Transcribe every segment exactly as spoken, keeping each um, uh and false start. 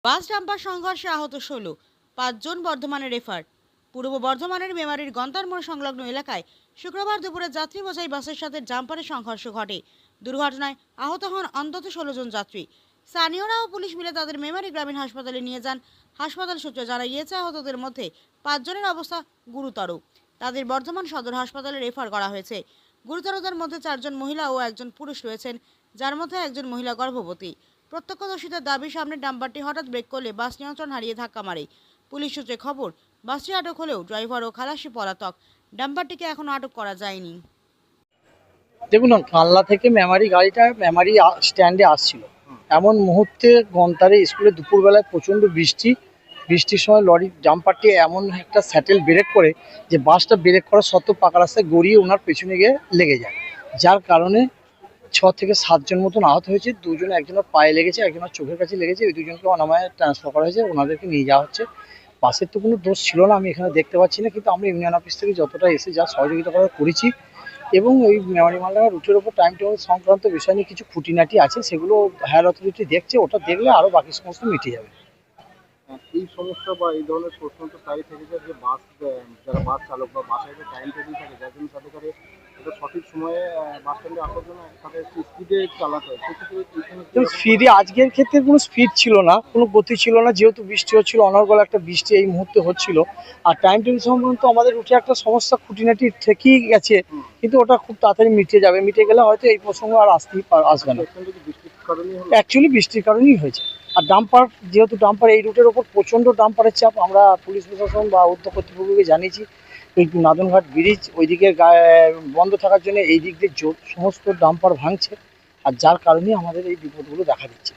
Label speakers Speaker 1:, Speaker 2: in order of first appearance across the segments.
Speaker 1: বাস dumper সংঘর্ষে আহত ষোলো, পাঁচজন বর্ধমানে রেফার। পূর্ব বর্ধমানের মেমারির গন্তার মোড় সংলগ্ন এলাকায় শুক্রবার দুপুরে যাত্রী বোঝাই বাসের সাথে ডাম্পারের সংঘর্ষ ঘটে। দুর্ঘটনায় আহত হন অন্তত ষোলো জন যাত্রী। স্থানীয়রা ও পুলিশ মিলে তাদের মেমারি গ্রামীণ হাসপাতালে নিয়ে যান। হাসপাতাল সূত্রে জানা গিয়েছে, আহতদের মধ্যে পাঁচজনের অবস্থা গুরুতর। তাদের বর্ধমান সদর হাসপাতালে রেফার করা হয়েছে। গুরুতরদের মধ্যে চারজন মহিলা ও একজন পুরুষ রয়েছেন, যার মধ্যে একজন মহিলা গর্ভবতী। প্রত্যক্ষদর্শীদের দাবি, সামনে ডাম্পারটি হঠাৎ ব্রেক করলে বাস নিয়ন্ত্রণ হারিয়ে ধাক্কা মারে। পুলিশ সূত্রে খবর, বাসটি আটক হলেও ড্রাইভার ও খালাসি পলাতক। ডাম্পারটিকে এখনো আটক করা যায়নি।
Speaker 2: দেখুন, কালনা থেকে মেমারি গাড়িটা মেমারি স্ট্যান্ডে আসছিল, এমন মুহূর্তে গন্তারে স্কুলে দুপুরবেলায় প্রচণ্ড বৃষ্টি বৃষ্টির সময় লরির ডাম্পারটি এমন একটা স্যাটেল ব্রেক করে যে বাসটা ব্রেক করা সত্ত্বেও পাকা রাস্তায় গড়িয়ে ওনার পেছনে গিয়ে লেগে যায়, যার কারণে ছ থেকে সাতজন মতন আহত হয়েছে। দুজন, একজনের পায়ে লেগেছে, একজনের চোখের কাছে লেগেছে। ওই দুজনকে অনামায় ট্রান্সফার করা হয়েছে, ওনাদেরকে নিয়ে যাওয়া হচ্ছে। বাসের তো কোনো দোষ ছিল না, আমি এখানে দেখতে পাচ্ছি না, কিন্তু আমরা ইউনিয়ন অফিস থেকে যতটা এসে যা সহযোগিতা করার করেছি, এবং এই মেমারি মালদা রুটের ওপর টাইম টেবিল সংক্রান্ত বিষয় নিয়ে কিছু খুঁটিনাটি আছে, সেগুলো হায়ার অথরিটি দেখছে। ওটা দেখলে আরও বাকি সমস্ত মিটে যাবে।
Speaker 3: এই সমস্যা বা এই ধরনের প্রশ্ন তো প্রায় থেকে যায় যে বাস যারা বাস চালক বা বাসের যে টাইম টেবিল থাকে, যার জন্য তাদের কাছে এটা সঠিক সময়ে বাস স্ট্যান্ডে আসার জন্য তাদের স্পিডে চালাতে হয়। সেক্ষেত্রে
Speaker 2: স্পিডে আজকের ক্ষেত্রে কোনো স্পিড ছিল না, কোনো গতি ছিল না, যেহেতু বৃষ্টি হচ্ছিল, অনর্গল একটা বৃষ্টি এই মুহূর্তে হচ্ছিল। আর টাইম টেবিল সংক্রান্ত আমাদের রুটে একটা সমস্যা খুঁটিনাটি থেকেই গেছে, কিন্তু ওটা খুব তাড়াতাড়ি মিটে যাবে। মিটে গেলে হয়তো এই প্রসঙ্গ আর আসতেই আসবে না। অ্যাকচুয়ালি বৃষ্টির কারণেই হয়েছে। আর ডাম্পার, যেহেতু ডাম্পার এই রুটের ওপর প্রচণ্ড ডাম্পারের চাপ, আমরা পুলিশ প্রশাসন বা উদ্যোগ কর্তৃপক্ষকে জানিয়েছি। এই নাদনঘাট ব্রিজ ওই দিকের বন্ধ থাকার জন্য এই দিক দিয়ে সমস্ত ডাম্পার ভাঙছে, আর যার কারণে আমাদের এই বিপদগুলো দেখা দিচ্ছে।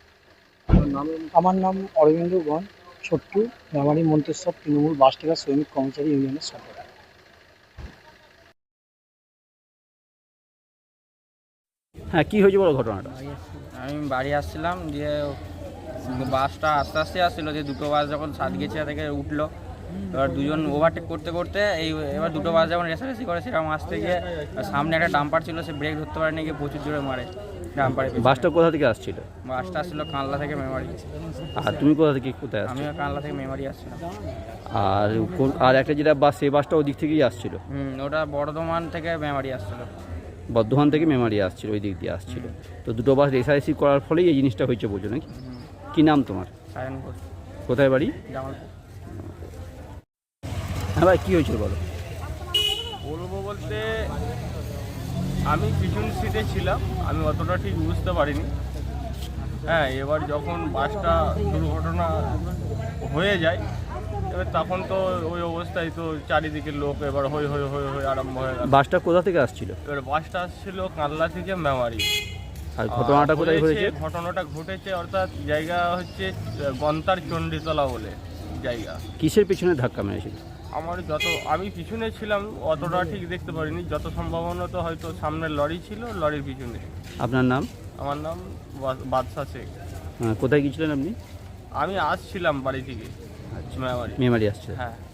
Speaker 2: আমার নাম অরবিন্দ গণ, ছোট্টু, মেমারি মন্তেশ্বর তৃণমূল বাস টেকার শ্রমিক কর্মচারী ইউনিয়নের সদস্য।
Speaker 4: হ্যাঁ, কি হয়েছে বলো ঘটনাটা?
Speaker 5: আমি বাড়ি আসছিলাম, দিয়ে বাসটা আস্তে আস্তে আসছিলো, যে দুটো বাস যখন সাতগেছিয়া থেকে উঠলো, এবার দুজন ওভারটেক করতে করতে এই এবার দুটো বাস যখন রেসারেসি করে সেরকম আসতে গিয়ে সামনে একটা ডাম্পার ছিল, সে ব্রেক ধরতে পারেনি, গিয়ে প্রচুর জোরে মারে ডাম্পারে।
Speaker 4: বাসটা কোথা থেকে আসছিল?
Speaker 5: বাসটা আসছিলো কানলা থেকে মেমারি।
Speaker 4: আর তুমি কোথা থেকে কোথায় আসছো?
Speaker 5: আমিও কানলা থেকে মেমারি আসছিলাম।
Speaker 4: আর আর একটা যেটা বাস, সেই বাসটা ওই দিক থেকেই আসছিল?
Speaker 5: হুম, ওটা বর্ধমান থেকে মেমারি আসছিলো।
Speaker 4: বর্ধমান থেকে মেমারি আসছিল, ওই দিক দিয়ে আসছিল। তো দুটো বাস রেসারেসি করার ফলেই এই জিনিসটা হয়েছে, বোঝো নাকি? কি নাম তোমার?
Speaker 5: সায়নপুর।
Speaker 4: কোথায় বাড়ি?
Speaker 5: জামালপুর।
Speaker 4: হ্যাঁ ভাই, কী হয়েছিল বলো?
Speaker 6: বলবো বলতে, আমি পিছন সিটে ছিলাম, আমি অতটা ঠিক বুঝতে পারিনি। হ্যাঁ, এবার যখন বাসটা দুর্ঘটনা হয়ে যায়, এবার তখন তো ওই অবস্থায় তো চারিদিকে লোক এবার হই হই হই হই আরম্ভ হয়ে গেল।
Speaker 4: বাসটা কোথা থেকে আসছিল?
Speaker 6: এবার বাসটা আসছিল কানলা থেকে মেমারি।
Speaker 4: আর ঘটনাটা কোথায় হয়েছে?
Speaker 6: ঘটনাটা ঘটেছে অর্থাৎ জায়গা হচ্ছে গন্তার চণ্ডীতলা বলে জায়গা।
Speaker 4: কিসের পিছনে ধাক্কা মেরেছিল?
Speaker 6: আমার যত আমি পিছনে ছিলাম অতটা ঠিক দেখতে পারিনি, যত সম্ভাবনা তো হয়তো সামনের লরি ছিল, লরির পিছনে।
Speaker 4: আপনার নাম?
Speaker 6: আমার নাম বাদশা শেখ।
Speaker 4: কোথায় গিয়েছিলেন আপনি?
Speaker 6: আমি আসছিলাম বাড়ি থেকে মেমারি।
Speaker 4: মেমারি আসছে।
Speaker 6: হ্যাঁ।